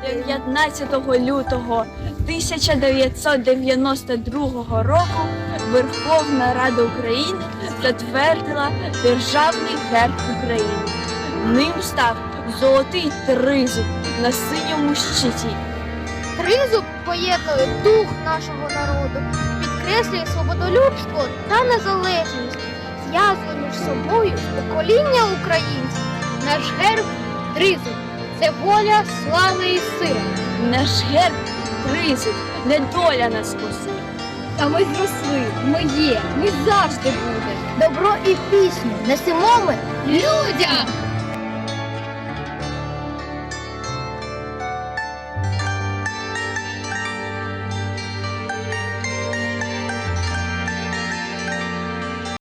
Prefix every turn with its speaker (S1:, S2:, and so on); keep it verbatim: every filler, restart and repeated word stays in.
S1: дев'ятнадцятого лютого тисяча дев'ятсот дев'яносто другого року Верховна Рада України затвердила Державний герб України. Ним став золотий тризуб на синьому щиті.
S2: Тризуб поєднує дух нашого народу, підкреслює свободолюбство та незалежність, зв'язує між собою покоління українців. Наш герб – тризуб – це воля, слава і сила.
S1: Наш герб тризуб, не доля нас косить.
S2: А ми зросли, ми є, ми завжди будемо. Добро і пісню несемо ми людям!